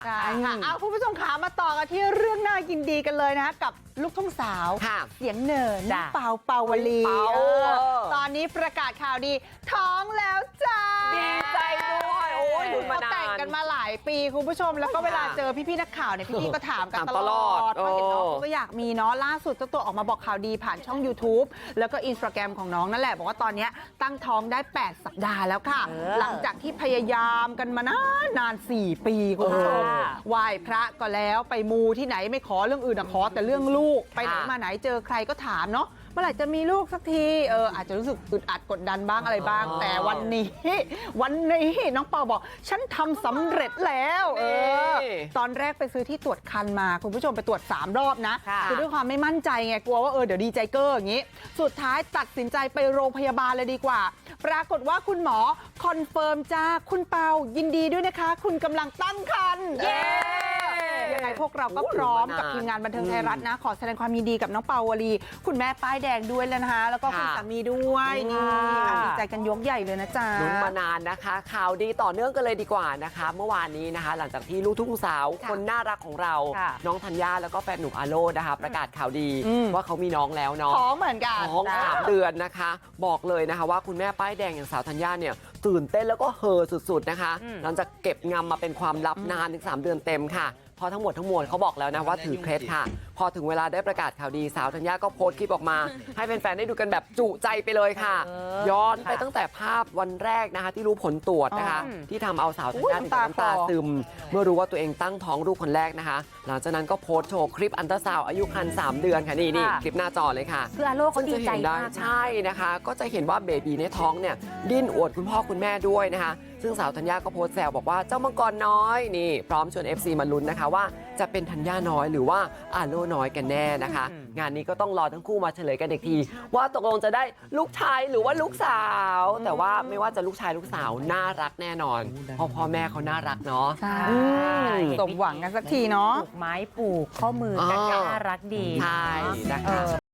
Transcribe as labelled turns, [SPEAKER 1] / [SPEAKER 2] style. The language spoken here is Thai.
[SPEAKER 1] ใช่ค่ะเอาคุณผู้ชมขามาต่อกันที่เรื่องน่ายินดีกันเลยนะกับลูกทุ่งสาวเสียงเหน่อน้องเปาเปาวลีตอนนี้ประกาศข่าวดีท้องแล้วจ้า
[SPEAKER 2] ดีใจด้วยโอ้ยลุ้นมานาน
[SPEAKER 1] แต่งกันมาหลายปีคุณผู้ชมแล้วก็เวลาเจอพี่ๆนักข่าวเนี่ยพี่ๆก็ถามกันตลอดเพราะเห็นน้องก็อยากมีเนาะล่าสุดเจ้าตัวออกมาบอกข่าวดีผ่านช่อง YouTube แล้วก็ Instagram ของน้องนั่นแหละบอกว่าตอนนี้ตั้งท้องได้8 สัปดาห์แล้วค่ะหลังจากที่พยายามกันมานาน4 ปีคุณผู้ชมไหว้พระก็แล้วไปมูที่ไหนไม่ขอเรื่องอื่นขอแต่เรื่องลูกไปไหนมาไหนเจอใครก็ถามเนาะเมื่อไหร่จะมีลูกสักทีอาจจะรู้สึกอึดอัดกดดันบ้างอะไรบ้างแต่วันนี้น้องเปาบอกฉันทำสำเร็จแล้วตอนแรกไปซื้อที่ตรวจคันมาคุณผู้ชมไปตรวจ3 รอบนะคือด้วยความไม่มั่นใจไงกลัวว่าเดี๋ยวดีใจเกอร์อย่างนี้สุดท้ายตัดสินใจไปโรงพยาบาลเลยดีกว่าปรากฏว่าคุณหมอคอนเฟิร์มจ้าคุณเปายินดีด้วยนะคะคุณกำลังตั้งครรภ์ยังไงพวกเราก็พร้อมกับทีมงานบันเทิงไทยรัฐนะขอแสดงความยินดีกับน้องเปาวลีคุณแม่ป้ายแดงด้วยแล้วนะคะแล้วก็คุณสามีด้วยนี่ดีใจกันยกใหญ่เลยนะจ๊ะ
[SPEAKER 2] ลุ้นมานานนะคะข่าวดีต่อเนื่องกันเลยดีกว่านะคะเมื่อวานนี้นะคะหลังจากที่ลูกทุ่งสาวคนน่ารักของเราน้องธัญญาแล้วก็แฟนหนุ่มอาโลนะคะประกาศข่าวดีว่าเขามีน้องแล้วเนาะ
[SPEAKER 1] ท้องเหมือนกัน
[SPEAKER 2] ท้อง3 เดือนนะคะบอกเลยนะคะว่าคุณแม่ป้ายแดงอย่างสาวธัญญาเนี่ยตื่นเต้นแล้วก็เฮอสุดๆนะคะหลังจากเก็บงำมาเป็นความลับนานถึง3 เดือนเต็มค่ะพอทั้งหมดทั้งมวลเขาบอกแล้วนะว่าถือเคล็ดค่ะพอถึงเวลาได้ประกาศข่าวดีสาวธัญญาก็โพสต์คลิปออกมาให้แฟนๆได้ดูกันแบบจุใจไปเลยค่ะย้อนไปตั้งแต่ภาพวันแรกนะคะที่รู้ผลตรวจนะคะที่ทำเอาสาวธัญญาถึงน้ำตาซึมเมื่อรู้ว่าตัวเองตั้งท้องลูกคนแรกนะคะหลังจากนั้นก็โพสต์โชว์คลิปอันตราซาวด์อายุครรภ์3 เดือนค่ะนี่คลิปหน้าจอเลยค่ะ
[SPEAKER 3] คืออาโลเขาดีใจมาก
[SPEAKER 2] ใช่นะคะก็จะเห็นว่าเบบีในท้องเนี่ยดิ้นอวดคุณพ่อคุณแม่ด้วยนะคะซึ่งสาวธัญญาก็โพสต์แซวบอกว่าเจ้ามังกรน้อยนี่พร้อมชวน FC มาลุ้นนะคะว่าจะเป็นธัญญาน้อยหรือว่าอาโลน้อยกันแน่นะคะงานนี้ก็ต้องรอทั้งคู่มาเฉลยกันอีกทีว่าตกลงจะได้ลูกชายหรือว่าลูกสาวแต่ว่าไม่ว่าจะลูกชายลูกสาวน่ารักแน่นอนเพราะพ่อแม่เขาน่ารักเนาะ
[SPEAKER 1] ใช่สมหวังกันสักทีเนาะ
[SPEAKER 3] ปลูกไม้ปลูกข้อมือกันน่ารักดี
[SPEAKER 2] ใช่นะคะ